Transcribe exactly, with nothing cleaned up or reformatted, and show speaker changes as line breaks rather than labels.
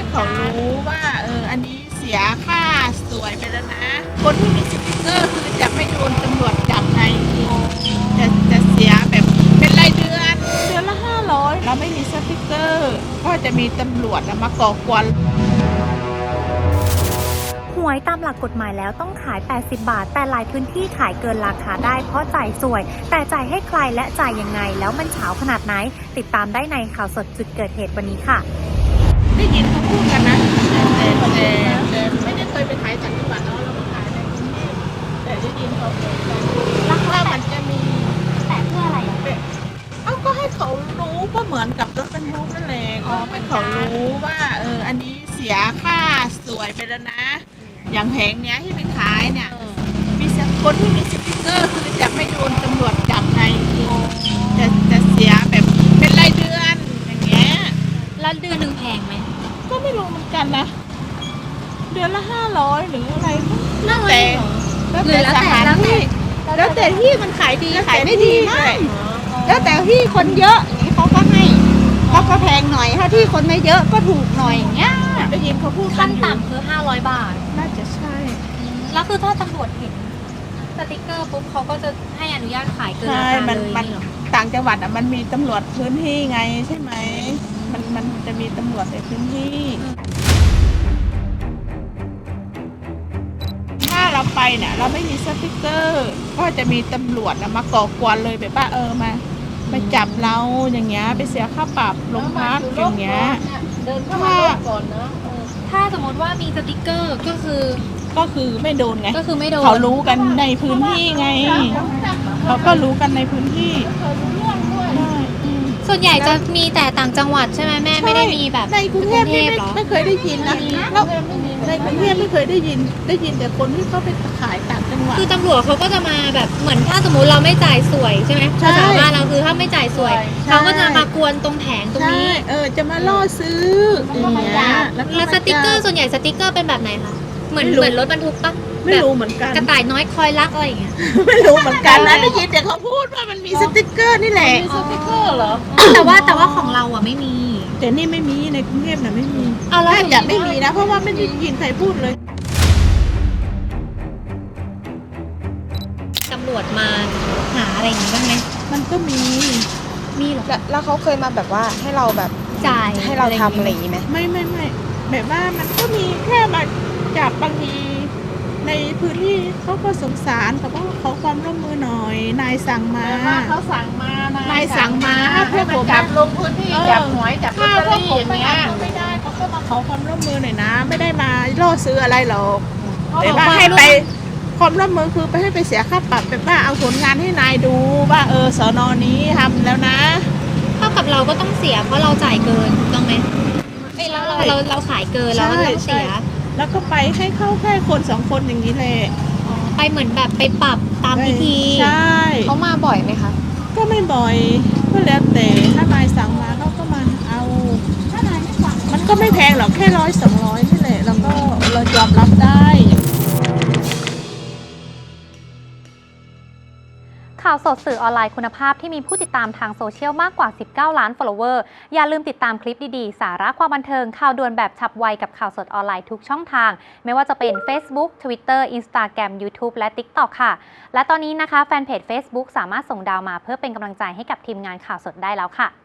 ให้เขารู้ว่าเอออันนี้เสียค่าสวยไปแล้วนะคนที่มีสติ๊กเกอร์คือจะไม่โดนตำรวจจับไงจะจะเสียแบบเป็นรายเดือนเดือนละห้าร้อยเราไม่มีสติ๊กเกอร์ก็จะมีตำรวจมาก่อกวน
หวยตามหลักกฎหมายแล้วต้องขายแปดสิบบาทแต่หลายพื้นที่ขายเกินราคาได้เพราะจ่ายสวย แต่จ่ายให้ใครและจ่ายยังไงแล้วมันเฉาขนาดไหนติดตามได้ในข่าวสดจุดเกิดเหตุวันนี้ค่ะ
ได้ยินเขาพูดกันนะแต่แต่แต่ไม่ได้เคยไปขายต่างจังหวัดเนาะเราก็ขายในกรุงเทพแต่ได้ยินเขาพูดกันว่ามันจะมี
แต่เพื่ออะไรอ่ะ
เอ้าก็ให้เขารู้ก็เหมือนกับรถบรรทุกนั่นแหละก็ให้เขารู้ว่าเอออันนี้เสียค่าสวยไปแล้วนะอย่างแผงเนี้ยที่ไปขายเนี่ยมีคนที่มีสติ๊กเกอร์คือจะไม่โดนตำรวจจับไงจะจะเสียแบบเป็นรายเดือนอย่างเงี้ย
แล้วเดือนหนึ่งแพงไหม
ก็ไม่รู้เหมือนกันนะเดือนละห้าร้อยหรืออะไรแล้วแต่แล้วแต่สถานที่แล้วแต่ที่มันขายดีขายไม่ดีไม่แล้วแต่ที่คนเยอะอย่างนี้เขาก็ให้เขาก็แพงหน่อยถ้าที่คนไม่เยอะก็ถูกหน่อยอย่างเงี้ยได้ยินเขาพูด
ขั้นต่ำคือห้าร้อยบาท
น่าจะใช่
แล้วคือถ้าตำรวจเห็นสติ๊กเกอร์ปุ๊บเขาก็จะให้อนุญาตขายเกินราคาเลยเหรอ
ต่างจังหวัดอ่ะมันมีตำรวจพื้นที่ไงใช่ไหมมันมันจะมีตำรวจในพื้นที่ถ้าเราไปเนี่ยเราไม่มีสติ๊กเกอร์ก็จะมีตำรวจมาก่อกวนเลยแบบว่าเออมามาจับเราอย่างเงี้ยไปเสียค่าปรับโรงพักอย่างเงี้ย
เดินเข้ามาก่อนนะ
ถ้าสมมติว่ามีสติ๊กเกอร์ก็คือ
ก็คือไม่โดนไง
ก็คือไม่โดน
เขารู้กันในพื้นที่ไงเขาก็รู้กันในพื้นที่
ส่วนใหญ่จะมีแต่ต่างจังหวัดใช่ไหมแม่ไม่ได้มีแบบ
ในกรุงเทพไม่ไม่เคยได้ยินนะแล้วในกรุงเทพไม่เคยได้ยินได้ยินแต่คนที่เขาไปขายต่างจังหวัด
คือตำรวจเขาก็จะมาแบบเหมือนถ้าสมมติเราไม่จ่ายสวยใช่ไหมภาษาบ้านเราคือถ้าไม่จ่ายสวยเขาก็จะมากวนตรงแผงตรงนี้
เออจะมาล่อซื้ออย่างเงี้ย
แล้วสติ๊กเกอร์ส่วนใหญ่สติ๊กเกอร์เป็นแบบไหนคะเหมือนเหมือนรถบรรทุกปะ
ไม่รู้เหมือนกัน
กระต่ายน้อยคอยรักอะไรอย่างเงี้ย
ไม่รู้เหมือนกันนะได้ยินแต่เขาพูดว่ามันมีสติ๊กเกอร์นี่แหละ
มีสติ๊กเกอร์เหรอ
แต่ว่าแต่ว่าของเราอ่ะไม่มี
แต่นี่ไม่มีในกรุงเทพน่ะไม่มี
เอาแล้ว
อย่าไม่มีนะเพราะว่าไม่ได้ยินใครพูดเลย
ตำรวจมาหาอะไรอย่างงี้บ้างไหม
มันก็มี
มีหรอ
แล้วเขาเคยมาแบบว่าให้เราแบบ
จ่าย
ให้เราทำอะไรอย่างงี้ไหม
ไม่ไม่ไม่แบบว่ามันก็มีแค่มาจับบางทีในพื้นที่เขาก็สงสารเขาก็ขอความร่วมมือหน่อยนายสั่งมา
เขาสั่งมาน
ายสั่งมา
เพื่อผมจับลงพื้นที่จับหวยจับลอตเตอรี่อย่างเงี้ย
ไม่ได้เขาก็มาขอความร่วมมือหน่อยนะไม่ได้มาล่อซื้ออะไรหรอกแต่ว่าให้ไปความร่วมมือคือไปให้ไปเสียค่าปรับแบบว่าเอาผลงานให้นายดูว่าเออสน.นี้ทำแล้วนะ
เท่ากับเราก็ต้องเสียเพราะเราจ่ายเกินถูกต้องไหมเอ้ยเราเราเราขายเกินเราก็ต้องเสีย
แล้วก็ไปให้เข้าแค่คนสองคนอย่างนี้เลย
ไปเหมือนแบบไปปรับตามพิธี
ใช่
เขามาบ่อยไหมคะ
ก็ไม่บ่อยก็แล้วแต่ถ้านายสั่งมาเขาก็มาเอามันก็ไม่แพงหรอกแค่ร้อยสองร้อยนี่แหละแล้วก็เรายอมรับได้
ข่าวสดสื่อออนไลน์คุณภาพที่มีผู้ติดตามทางโซเชียลมากกว่าสิบเก้าล้าน follower อย่าลืมติดตามคลิปดีๆสาระความบันเทิงข่าวด่วนแบบฉับไวกับข่าวสดออนไลน์ทุกช่องทางไม่ว่าจะเป็น Facebook Twitter Instagram YouTube และ TikTok ค่ะและตอนนี้นะคะแฟนเพจ Facebook สามารถส่งดาวมาเพื่อเป็นกำลังใจให้กับทีมงานข่าวสดได้แล้วค่ะ